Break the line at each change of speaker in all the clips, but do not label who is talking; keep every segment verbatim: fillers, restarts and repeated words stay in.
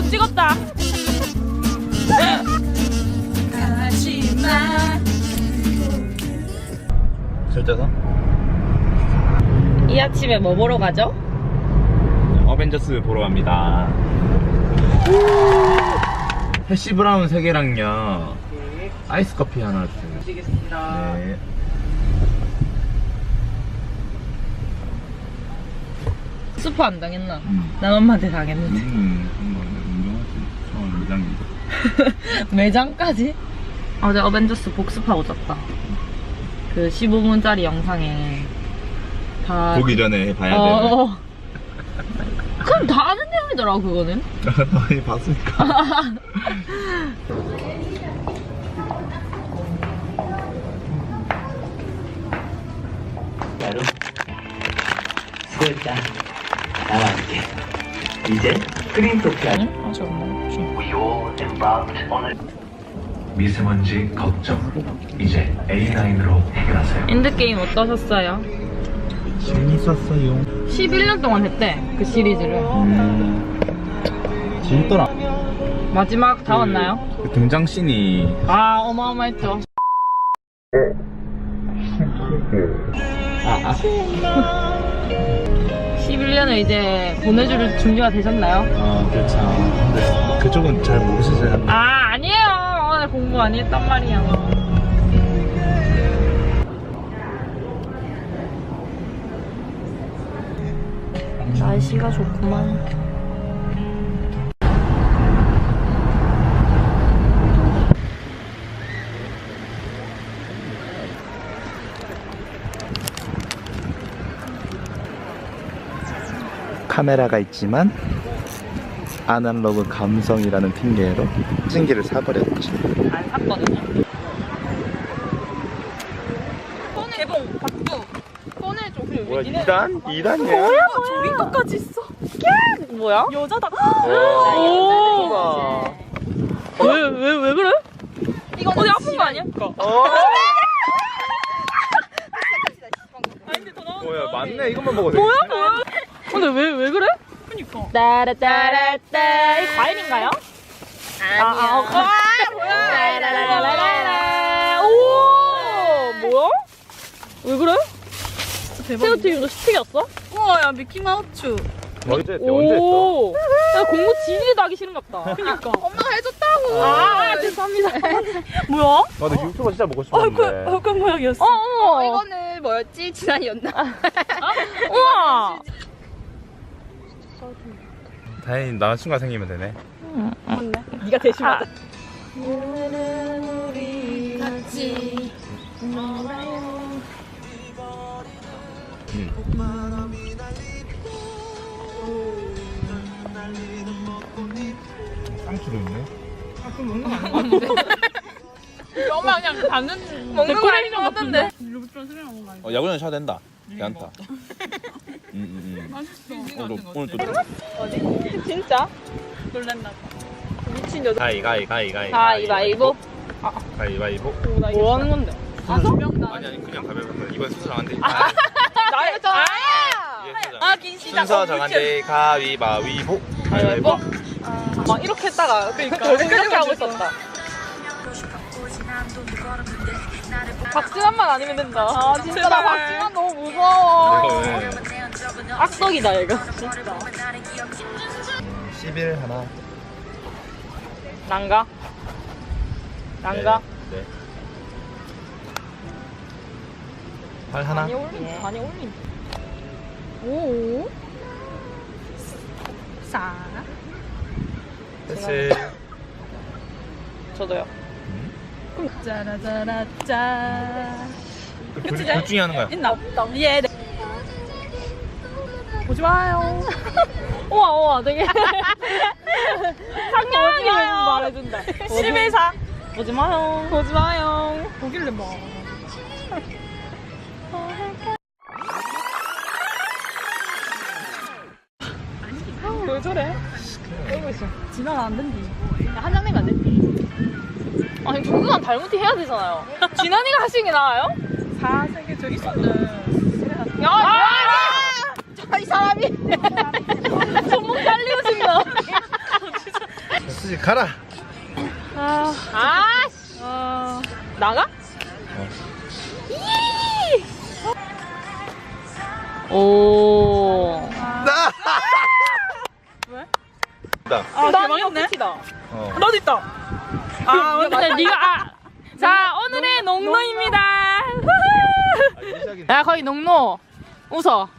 좀 찍었다.
절대서?
이 아침에 뭐 보러 가죠?
어벤져스 보러 갑니다. 해시 브라운 세 개랑요. 아이스 커피 하나 주세요.
드리겠습니다.
네.
스포 안 당했나?
음.
난 엄마한테 당했는데.
음, 운동하지. 어, 매장이다.
매장까지? 어제 어벤져스 복습하고 잤다. 그 십오 분짜리 영상에 다
보기 전에 봐야 돼.
어, 어. 그럼 다 아는 내용이더라고 그거는.
많이 봤으니까.
바로 수고했다. 나와 함께 이제 크림토피아
아니? 아직 안 먹었지.
We all embarked on a
미세먼지 걱정 이제 에이 나인으로 해결하세요.
엔드게임 어떠셨어요?
재밌었어요.
십일 년 동안 했대 그 시리즈를.
음, 재밌더라.
마지막 다 왔나요?
그 등장 씬이
아 어마어마했죠.
아, 아.
십일 년을 이제 보내줄 준비가 되셨나요?
아, 그렇죠. 근데 그쪽은 잘 모르시잖아요.
아 아니에요. 오늘 공부 많이 했단 말이야. 날씨가 좋구만.
카메라가 있지만 아날로그 감성이라는 핑계로 찡기를 사버렸지.
안 샀거든요. 개봉 박두 꺼내줘. 그래
뭐야,
왜 니네
이 단? 이 단이야?
뭐야? 조민거까지 있어. 야! 뭐야? 여자다.
오.
왜왜 왜 그래? 이거 어디 아픈 거 아니야?
어.
아니 근데 더 나오는
뭐야, 맞네. 이것만 먹어도 돼.
뭐야 뭐야? 근데 왜 왜 그래? 그니까. 따라따라따 이 과일인가요? 아니야. 아, 아, 아 뭐야? 따라라라라라. 오 뭐야? 왜 그래? 새우튀김도 스틱이었어?
우와 야 미키마우스.
언제 했대? 언제 했어?
오. 야 공부 진리도 하기 싫은갑다.
그니까 엄마가 해줬다고.
아 죄송합니다. 뭐야?
나 근데 유튜버 진짜 먹고 싶었는데.
얼굴 모양이었어.
어, 어.
이거는 뭐였지? 지난이었나?
우와.
다행히 남자친구가 생기면 되네.
네가 대신 받아.
같이
쌍추도 있네.
엄마 그냥 받는
먹는 거 아닌
데코레이션
것 같은데.
어, 야구는 샤도 된다. 괜찮다. 음, 음, 음.
맛있어.
오늘, 오늘 또
진짜?
놀란다.
미친 여자.
가위, 가위, 가위, 가위.
가위바위보.
가위바위보.
뭐 하는 건데?
아니, 아니, 그냥 가위바위보. 이번 순서 정한대. 아,
나의 아!
아 긴시다.
순서 정한대. 가위바위보.
가위바위보. 막 이렇게 했다가 그러니까 그렇게 하고 있었다. 박진환만 아니면 된다. 아 진짜 나 박진환 너무 무서워.
이거 왜?
악덕이다 얘가. 진짜.
십일 하나.
난가? 난가?
네. 네. 팔 하나.
많이 올린. 많이 올린. 오.
싸.
패스.
저도요.
짜라짜라짜.
둘, 둘 중에 하는 거야.
있나? 예. 네. 보지 마요.
우와 우와 되게 상냥하게 말해준다.
십일사.
보지 마요.
보지 마요. 보길래 뭐.
왜 저래? 이러고 있어.
지나가 안 된디.
한 장 내면 안 돼? 아니 정근한 달무티 해야 되잖아요. 진환이가 하시는 게 나아요?
사색에 저기 있었네.
야, 아! 이 사람이 손목 달리고 싶나?
가라.
아, 아, 씨. 어, 나가? 오.
왜?
나.
아,
난
대박이네.
끝이다.
어.
너도 있다. 아,
근데 네가 아. 자, 오늘의 농노입니다.
아, 이제 시작이네.
야, 거의 농노. 웃어.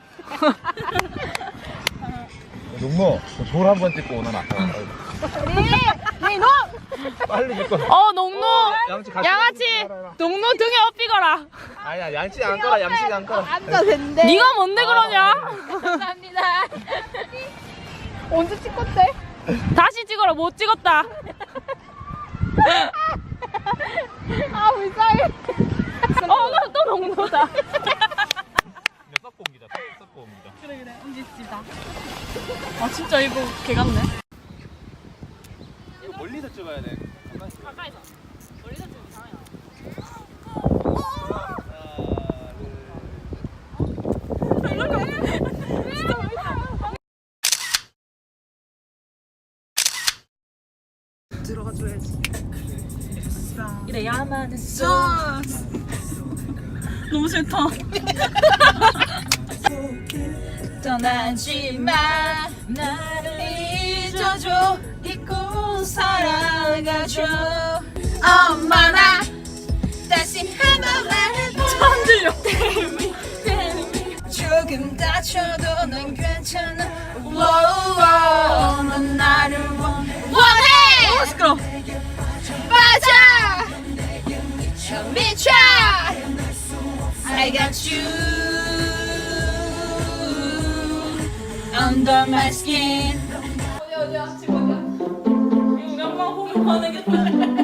농모, 돌 한 번 찍고 오나.
네, 농.
빨리 찍고.
어, 농노.
양치 같이.
양아치. 농노 등에 업히거라.
아니야, 양치 안 꺼라, 양치 안 꺼라.
네가 뭔데 그러냐?
감사합니다. 언제 찍었대?
다시 찍어라. 못 찍었다.
아 불쌍해.
어, 나 또 농노다.
섞고 옮기자, 섞고 옮기자.
그래 그래 옮깁시다. 아 진짜 이거 개 같네.
이거 멀리서 찍어야 돼.
가까이서. 멀리서 찍으면 이상해요.
들어가줘야지. 이래야만 했어. 너무 싫다. 떠나지 마. 나를 잊어줘. 잊고 살아가줘. 엄마 나 다시 한번 말해봐. 처음 들려. 조금 다쳐도 난 괜찮아. 워우, 넌 나를 원, 원해. 어, 시끄러. 맞아. 미쳐. I got you under my skin. 어디 어디야 지금 어디야? 이거 양반 보면 화내겠다.